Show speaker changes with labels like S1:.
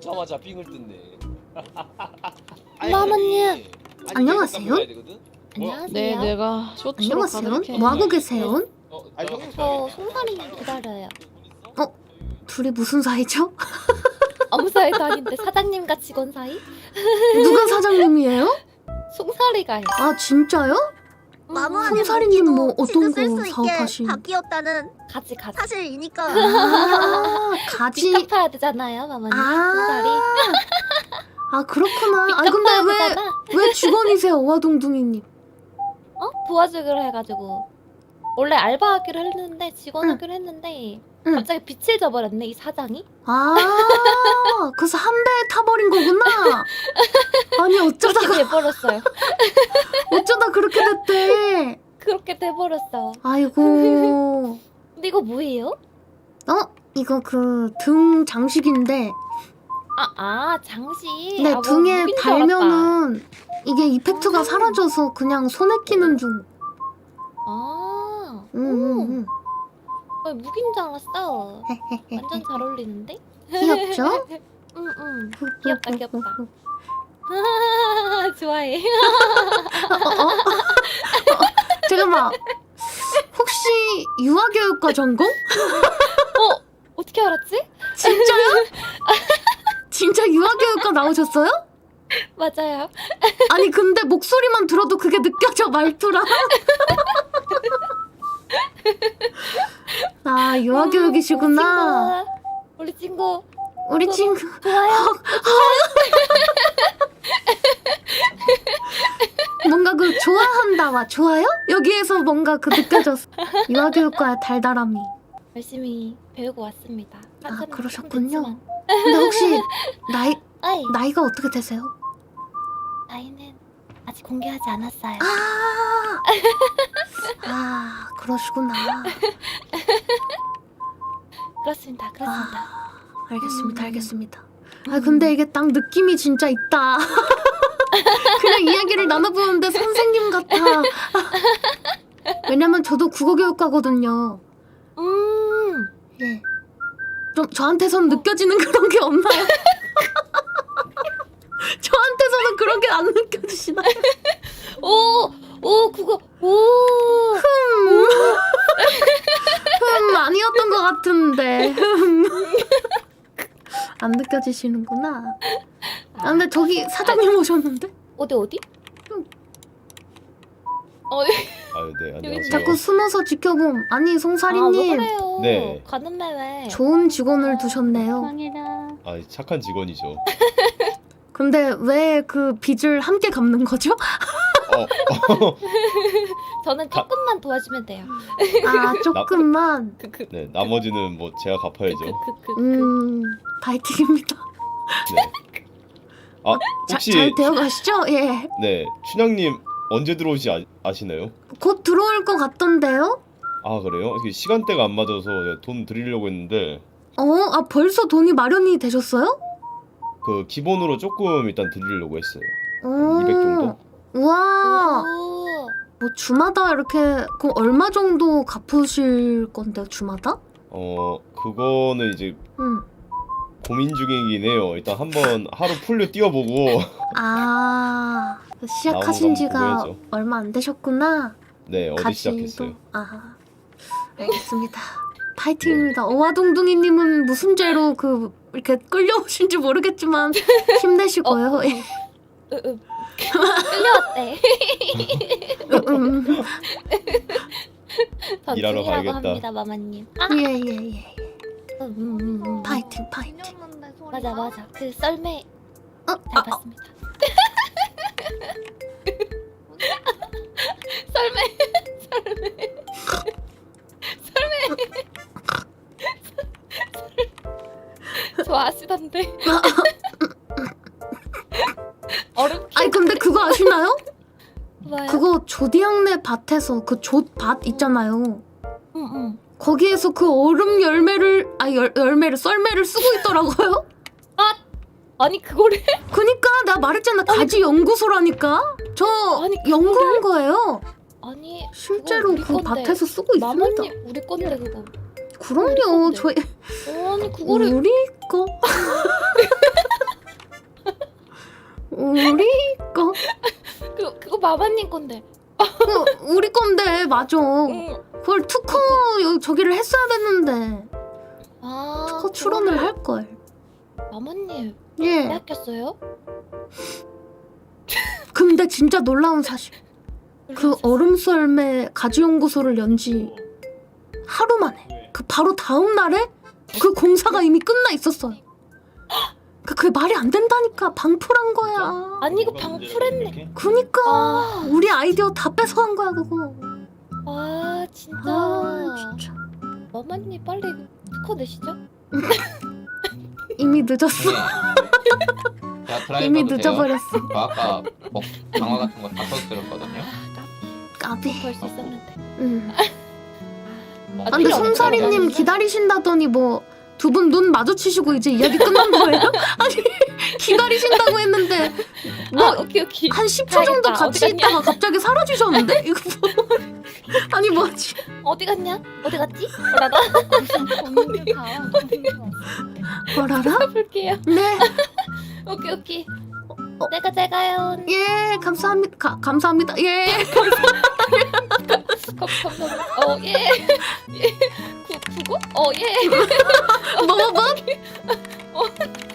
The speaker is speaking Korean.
S1: 넣자마자 삥을 뜯네.
S2: 마마님.
S3: 안녕하세요.
S2: 안녕하세요.
S4: 네, 내가 쇼츠로
S3: 안녕하세요.
S4: 가득해.
S3: 뭐 하고 계세요?
S2: 저 송사리 기다려요.
S3: 둘이 무슨 사이죠?
S2: 아무 사이도 아닌데 사장님과 직원 사이?
S3: 누가 사장님이에요?
S2: 송사리가요.
S3: 아 진짜요? 송사리님 뭐 어떤 거 사업하신?
S5: 바뀌었다는
S2: 가지.
S5: 사실이니까.
S3: 아 가지.
S2: 빚 갚아야 되잖아요, 마마님. 송사리.
S3: 아 그렇구나. 아
S2: 빚
S3: 근데
S2: 갚아야
S3: 왜
S2: 되잖아.
S3: 직원이세요, 와동둥이님?
S2: 도와주기로 해가지고 원래 알바하기로 했는데 직원
S3: 응.
S2: 하기로 했는데
S3: 응.
S2: 갑자기 빚을 져버렸네 이 사장이.
S3: 아 그래서 한 배 타버린 거구나. 아니
S2: 그렇게 돼버렸어요.
S3: 어쩌다 그렇게 됐대.
S2: 그렇게 돼버렸어.
S3: 아이고.
S2: 근데 이거 뭐예요?
S3: 이거 그 등 장식인데.
S2: 장식.
S3: 네,
S2: 뭐
S3: 등에
S2: 무기인 줄 알았다.
S3: 달면은 이게 이펙트가 사라져서 그냥 손에 끼는 중. 응.
S2: 무기인 줄 알았어. 완전 잘 어울리는데?
S3: 귀엽죠?
S2: 응. 귀엽다. 좋아해.
S3: 잠깐만. 혹시 유아교육과 전공?
S2: 어떻게 알았지?
S3: 진짜요? 진짜 유아교육과 나오셨어요?
S2: 맞아요.
S3: 아니 근데 목소리만 들어도 그게 느껴져, 말투랑. 아 유아교육이시구나.
S2: 우리 친구
S3: 우리 친구.
S2: 좋아요.
S3: 뭔가 그 좋아한다와 좋아요? 여기에서 뭔가 그 느껴졌어. 유아교육과의 달달함이.
S2: 열심히 배우고 왔습니다. 한참
S3: 그러셨군요.
S2: 됐지만.
S3: 근데 혹시
S2: 아이,
S3: 나이가 어떻게 되세요?
S2: 나이는 아직 공개하지 않았어요.
S3: 그러시구나.
S2: 그렇습니다.
S3: 알겠습니다. 아 근데 이게 딱 느낌이 진짜 있다. 그냥 이야기를 나눠보는데 선생님 같아. 왜냐면 저도 국어교육과거든요. 예. 좀 저한테선 느껴지는 그런 게 없나요? 저한테서는 그런 게 안 느껴지시나요?
S2: 그거
S3: 아니었던 것 같은데. 안 느껴지시는구나. 근데 저기 사장님 오셨는데?
S2: 어디?
S1: 네, 안녕하세요.
S3: 자꾸 숨어서 지켜봄. 아니
S2: 왜
S3: 송사리님,
S2: 그래요?
S1: 네.
S2: 가는 매 왜?
S3: 좋은 직원을 두셨네요.
S1: 착한 직원이죠.
S3: 근데 왜 그 빚을 함께 갚는 거죠?
S2: 저는 조금만 도와주면 돼요.
S3: 조금만.
S1: 네, 나머지는 뭐 제가 갚아야죠.
S3: 파이팅입니다.
S1: 네. 혹시
S3: 잘 되어가시죠? 예.
S1: 네, 춘향님 언제 들어오시 아시나요?
S3: 곧 들어올 것 같던데요?
S1: 아 그래요? 이게 시간대가 안 맞아서 제가 돈 드리려고 했는데
S3: 벌써 돈이 마련이 되셨어요?
S1: 그 기본으로 조금 일단 드리려고 했어요. 200 정도?
S3: 우와. 뭐 주마다 이렇게 그럼 얼마 정도 갚으실 건데요, 주마다?
S1: 그거는 이제 고민 중이긴 해요. 일단 한번 하루 풀로 뛰어보고
S3: 시작하신
S1: 나오는 거
S3: 지가
S1: 한번 보여야죠.
S3: 얼마 안 되셨구나.
S1: 네, 어제 시작했어요.
S3: 알겠습니다. 파이팅입니다. 어와동둥이님은 무슨 죄로 이렇게 끌려오신지 모르겠지만 힘내시고요.
S2: 끌려왔대. 전
S1: 일하러
S2: 중이라고
S1: 가야겠다.
S2: 합니다, 마마님.
S3: 예. 파이팅.
S2: 맞아. 그 썰매 잘 봤습니다. 썰매. 좋아하시던데. 얼음.
S3: 아니 근데 그거 아시나요?
S2: 뭐요?
S3: 그거 조디양네 밭에서 그 조 밭 있잖아요.
S2: 응.
S3: 거기에서 그 얼음 열매를 썰매를 쓰고 있더라고요.
S2: 아니 그거를
S3: 그니까 내가 말했잖아, 가지 연구소라니까. 저
S2: 아니,
S3: 연구한 거예요.
S2: 아니
S3: 실제로
S2: 우리
S3: 그
S2: 건데.
S3: 밭에서 쓰고 있습니다.
S2: 마마님 우리 건데 그거.
S3: 그럼요.
S2: 건데.
S3: 저희
S2: 아니 그거를
S3: 우리 거.
S2: 마마님 건데.
S3: 우리 건데 맞아.
S2: 응.
S3: 그걸 특허 저기를 했어야 됐는데
S2: 아.
S3: 특허 출원을 할 걸.
S2: 마마님
S3: 예.
S2: 빼앗겼어요?
S3: 근데 진짜 놀라운 사실. 그 얼음썰매 가지연구소를 연지 하루 만에 그 바로 다음 날에 그 공사가 이미 끝나 있었어요. 그게 말이 안 된다니까. 방풀한 거야.
S2: 아니 이거 방풀했네.
S3: 그니까
S2: 아.
S3: 우리 아이디어 다 뺏어간 거야 그거.
S2: 아 진짜.
S3: 아 진짜
S2: 마마님 빨리 특허 내시죠?
S3: 이미 늦었어.
S4: 자, 드라이브
S3: 이미
S4: 해도 돼요?
S3: 늦어버렸어.
S4: 저 아까 강화 같은 거 다 써드렸거든요.
S3: 까비.
S2: 걸 수 있었는데.
S3: 응.
S4: 뭐
S3: 아, 근데
S2: 필요 없어요.
S3: 솜사리님 기다리신다더니 뭐 두 분 눈 마주치시고 이제 이야기 끝난 거예요? 아니 기다리신다고 했는데 뭐
S2: 아, 오케이.
S3: 한 10초 정도
S2: 가야겠다.
S3: 같이
S2: 어디 갔냐?
S3: 있다가 갑자기 사라지셨는데? 이거 뭐 아니 뭐지?
S2: 어디 갔냐? 어디 갔지? 뭐라다?
S3: 뭐라라?
S2: 볼게요.
S3: 네.
S2: 오케이. 제가요.
S3: 예, 감사합니다. 감사합니다. 예.
S2: 감사합니다. 예. 예. 그거? 예.
S3: 뭐?